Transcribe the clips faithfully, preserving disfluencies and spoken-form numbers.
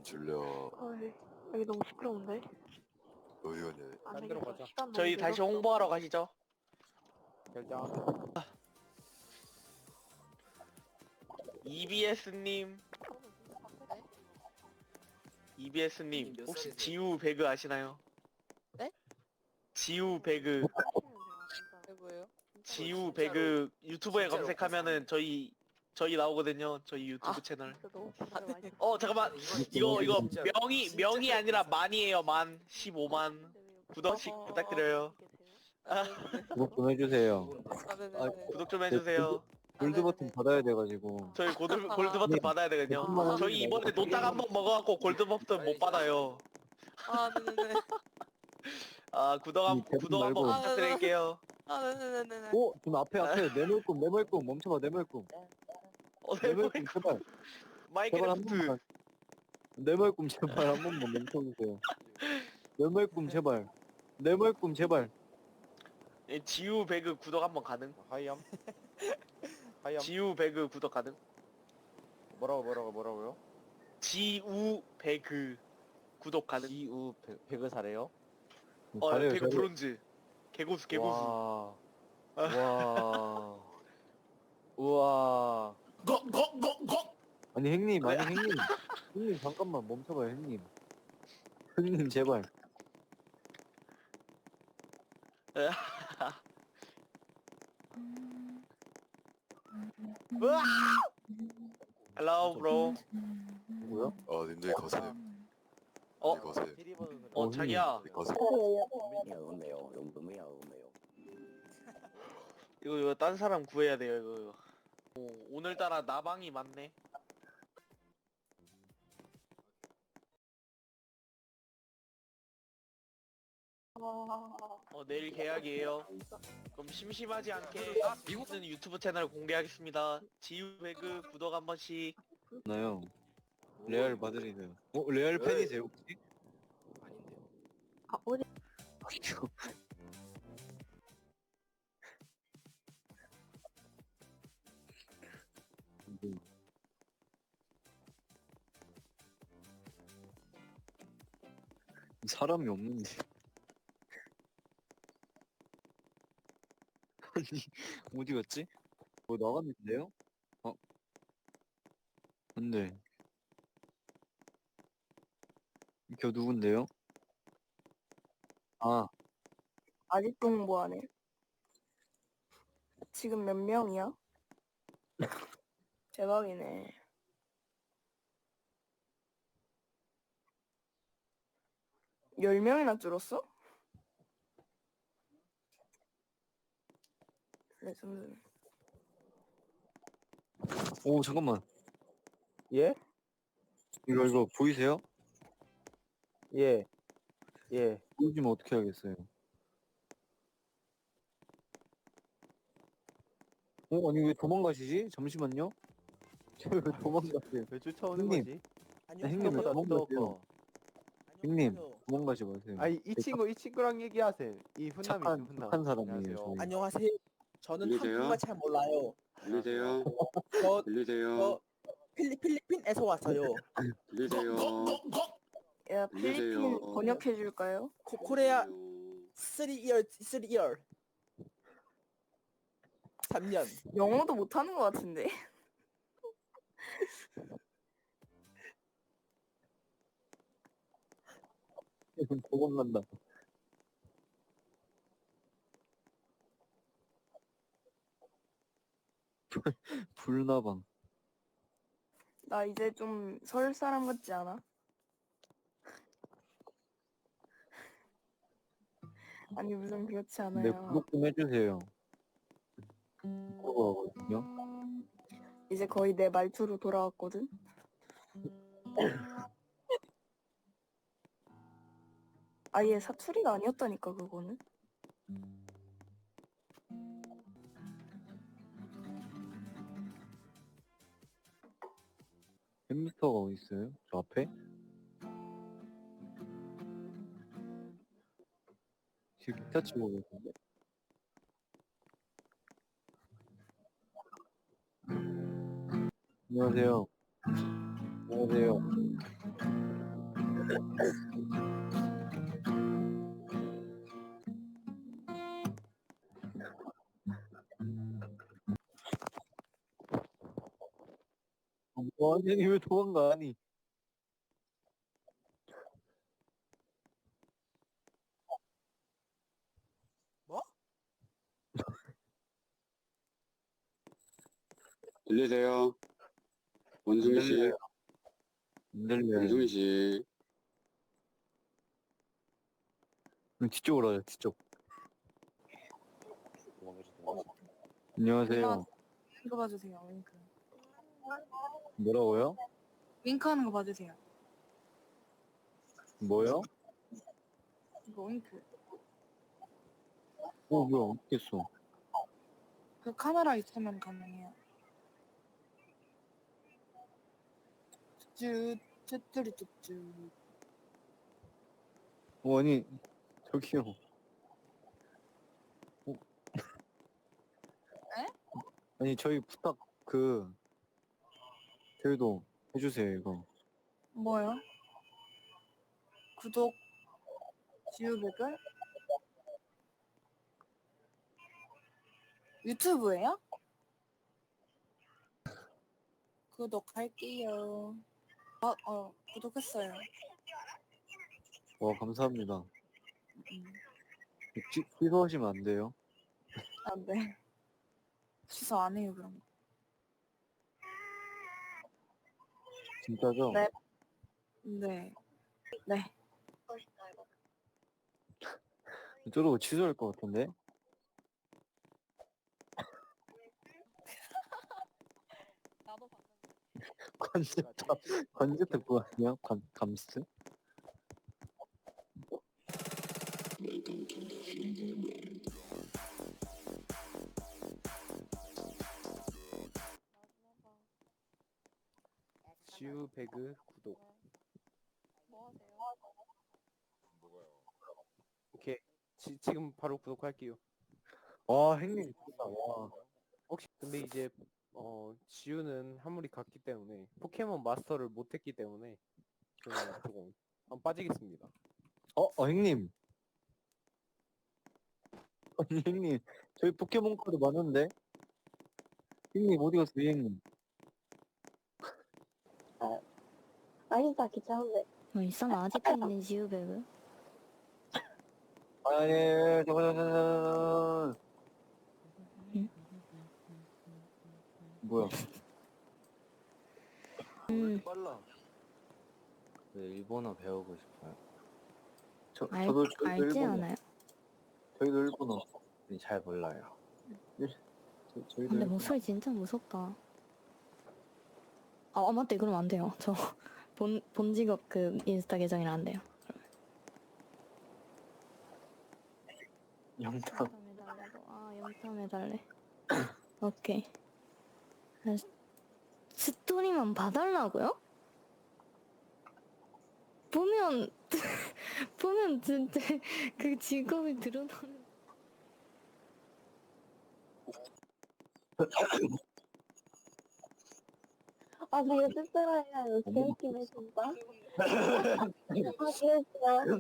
줄려. 어이, 여기 너무 시끄러운데? 어디 가냐? 안 딴 데로 되겠어. 가자. 시간 너무 저희 다시 늦었어. 홍보하러 가시죠. 결정하자. 이비에스님, 네? 이비에스님 몇 혹시 살이세요? 지우 배그 아시나요? 네? 지우 배그, 그게 뭐예요? 지우 진짜로- 배그 유튜브에 진짜로 검색하면은 감사합니다. 저희 저희 나오거든요. 저희 유튜브 아. 채널. 진짜 너무 기다려 많이 어 잠깐만, 이거 이거 이거 진짜로, 명이 진짜로 명이 아니라 감사합니다. 만이에요. 만 십오만 구독씩 어허. 부탁드려요. 아, 구독 좀 해주세요. 좋은데. 아, 네네네. 구독 좀 해주세요. 골드 버튼 네네네. 받아야 돼가지고. 저희 골드 골드 버튼 네. 받아야 되거든요. 조금만 저희 이번에 노딱 한번 먹어갖고 골드 버튼 못 받아요. 아, 네네네. 아 구독 한 이 대본 구독 한번 말고. 부탁드릴게요. 아, 네네네네. 오! 지금 앞에 앞에 네모꿈 네모꿈 멈춰봐 네모꿈 어, 네모꿈 제발 제발 한 마이크래프트. 번만 네모꿈 제발 한 번만 멈춰주세요. 네모꿈 제발 네모꿈 제발. 예, 지우 배그 구독 한번 가능? 하이암. 하이암. 지우 배그 구독 가능? 뭐라고 뭐라고 뭐라고요? 지우 배그 구독 가능? 지우 배- 배그 사래요? 어 잘해요 배그 잘해요. 브론즈 개고수 개고수. 와. 와. 우와. 아니 형님 아니 형님 형님 잠깐만 멈춰봐요 형님. 형님 제발. Hello bro. 누구야? 아, 님들 거세요. 어? 님들 거세요. 어 어, 자기야 님들 거세요. 이거 이거 딴 사람 구해야 돼요 이거. 이거. 오, 오늘따라 나방이 많네. 어 내일 계약이에요. 그럼 심심하지 않게 미국은 유튜브 채널 공개하겠습니다. 지우 배그 구독 한 번씩. 나요. 레알 마드리드. 어 레알 팬이세요 혹시? 아닌데요. 아, 어디? 사람이 없는데. 아니 어디 갔지? 뭐 나갔는데요? 어? 근데 저 누군데요? 아 아직도 홍보하네. 지금 몇 명이야? 대박이네. 열 명이나 줄었어? 레전드. 오 잠깐만 예? 이거 이거 보이세요? 예. 예. 보여주면 어떻게 하겠어요? 어 아니 왜 도망가시지? 잠시만요. 왜 도망가세요? 왜 쫓아오는 형님. 거지? 형님 왜 뚜덕거다, 도망가세요? 뚜덕거. 형님 도망가지 마세요. 아니 이 친구 이 친구랑 얘기하세요. 이 훈남이 착한 있어, 훈남. 착한 사람이에요. 안녕하세요. 저희. 안녕하세요. 저는 들리세요? 한국말 잘 몰라요. 들리세요? 저, 들리세요? 저 필리, 필리핀에서 왔어요. 들리세요? 야 필리핀 안녕하세요. 번역해 줄까요? 코, 코리아 쓰리 이어 쓰리 이어 삼 년. 영어도 못하는 것 같은데. 도망간다. 불나방. 나 이제 좀 서울 사람 같지 않아? 아니 무슨 그렇지 네 않아요. 구독 좀 해주세요. 그거거든요. 이제 거의 내 말투로 돌아왔거든. 아예 사투리가 아니었다니까 그거는. 햄스터가 어디 있어요? 저 앞에? 지금 기타 치고 계신데? 안녕하세요. 안녕하세요. 뭐 아니 왜 도망가 아니. 들리세요? 원숭이 씨, 들려요. 안 들려요. 원숭이 씨. 그럼 뒤쪽으로 가자 뒤쪽. 안녕하세요. 윙크 봐주세요. 윙크. 뭐라고요? 윙크하는 거 봐주세요. 뭐요? 이거 윙크. 어 뭐야 어떻게 써? 그 카메라 있으면 가능해요. 쭈쭈 쭈쭈리 쭈쭈. 어 아니 저기요. 어? 에? 아니 저희 부탁 그 저희도 해주세요 이거. 뭐요? 구독 지우백을 유튜브예요? 구독할게요. 어, 어, 구독했어요. 와 감사합니다. 음, 취, 취소하시면 안 돼요? 아, 네. 취소 안 해요, 그럼. 진짜죠? 네. 네. 네. 저러고 취소할 것 같은데? 나도 봤는데. 관제탑 관제탑 그거 아니야? 관, 감스? 지우 배그 구독. 뭐 하세요? 오케이. 지, 지금 바로 구독할게요. 와 형님 진짜 와. 혹시 근데 이제 어 지우는 한물이 갔기 때문에 포켓몬 마스터를 못했기 때문에 저는 조금 한번 빠지겠습니다. 어? 어 형님. 아니 형님 저희 포켓몬 카드 많은데? 형님 어디 갔어요 형님? 아니다, 귀찮은데. 뭐 이상 아직도 있는 지우배그? 아니 잠깐 잠깐 잠깐. 응? 뭐야? 음, 빨라. 네, 일본어 배우고 싶어요. 저, 알, 저도 저희도 알지 일본어. 않아요? 저희도 일본어. 근데 잘 몰라요. 저, 저희도 근데 일본어. 목소리 진짜 무섭다. 아, 아 맞다. 그러면 안 돼요. 저 본, 본 직업 그 인스타 계정이라 안 돼요. 영탁. 영탐 해달래도. 아, 영탐 해달래. 오케이. 아, 스토리만 봐달라고요? 보면 보면 진짜 그 직업이 드러나는. 아, 되게 씁쓸해요. 재밌긴 해, 진짜. 아, 그랬어요.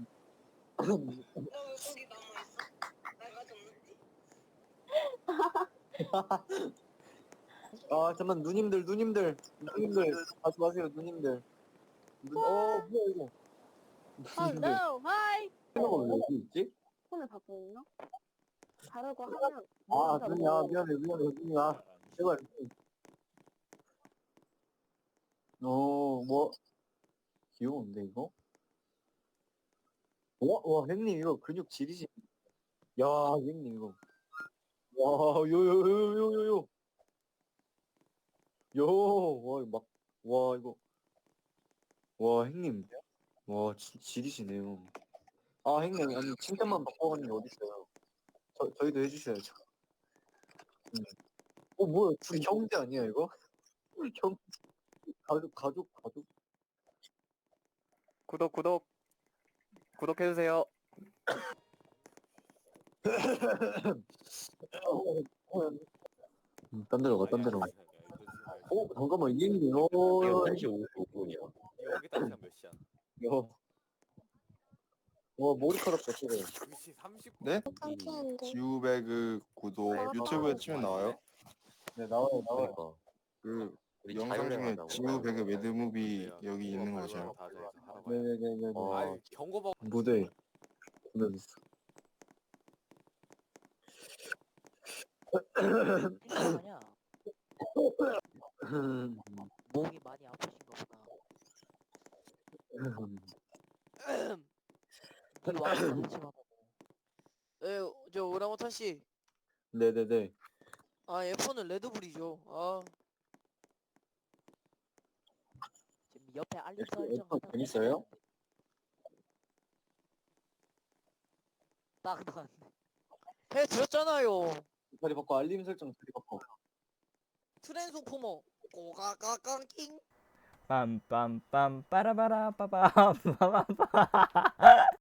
아 잠깐 누님들 누님들 누님들 가지 마세요 누님들. 눈, 어 뭐야 이거? 누님들 Hello, hi. 이거 왜 여기 있지? 손을 받고 있나? 다르고 하면. 아 누님 아 미안해 미안해 누님 아 제발. 어뭐 귀여운데 이거? 와, 와 형님 이거 근육 지리시. 야 형님 이거. 와 요요요요요요. 요, 와, 이거 막, 와, 이거, 와, 형님, 와, 지, 지리시네요. 아, 형님, 아니, 칭찬만 받고 가는 게 어딨어요. 저, 저희도 해주셔야죠. 음. 어, 뭐야, 둘이 형제 아니야, 이거? 형, 가족, 가족, 가족. 구독 구독 구독해주세요. 음, 딴 데로 가, 딴 데로 가. 어, 잠깐만, 이 형님, 어, 이거 한 시 오십오 분이요. 여기다 시간 몇 시야? 야, 와 머리카락 같이 돼. 위치 삼십 분. 어, 네? 깜찍한데. 지우배그 구독 아, 유튜브에 치면 나와요? 네 나와요 나와요. 그러니까 그 우리 영상 중에 자유여행하자고. 지우배그 매드무비 여기 있는 거죠? 네네네네. 어. 아 경고받. 무대 무대 있어. 아니야. 목이 많이 아프신가 보다. 이 와이프 같이 받아. 에, 저 오라모타 씨. 네네네. 아, 에프원은 레드불이죠. 아. 지금 옆에 알림 F- 설정 F 재밌어요? 딱 나왔네. 해 드렸잖아요. 다리 바꿔 알림 설정 다리 바꿔. 트랜스포머 꼬가가깡킹. 빰빰빰 빠라바라 빠밤 빠밤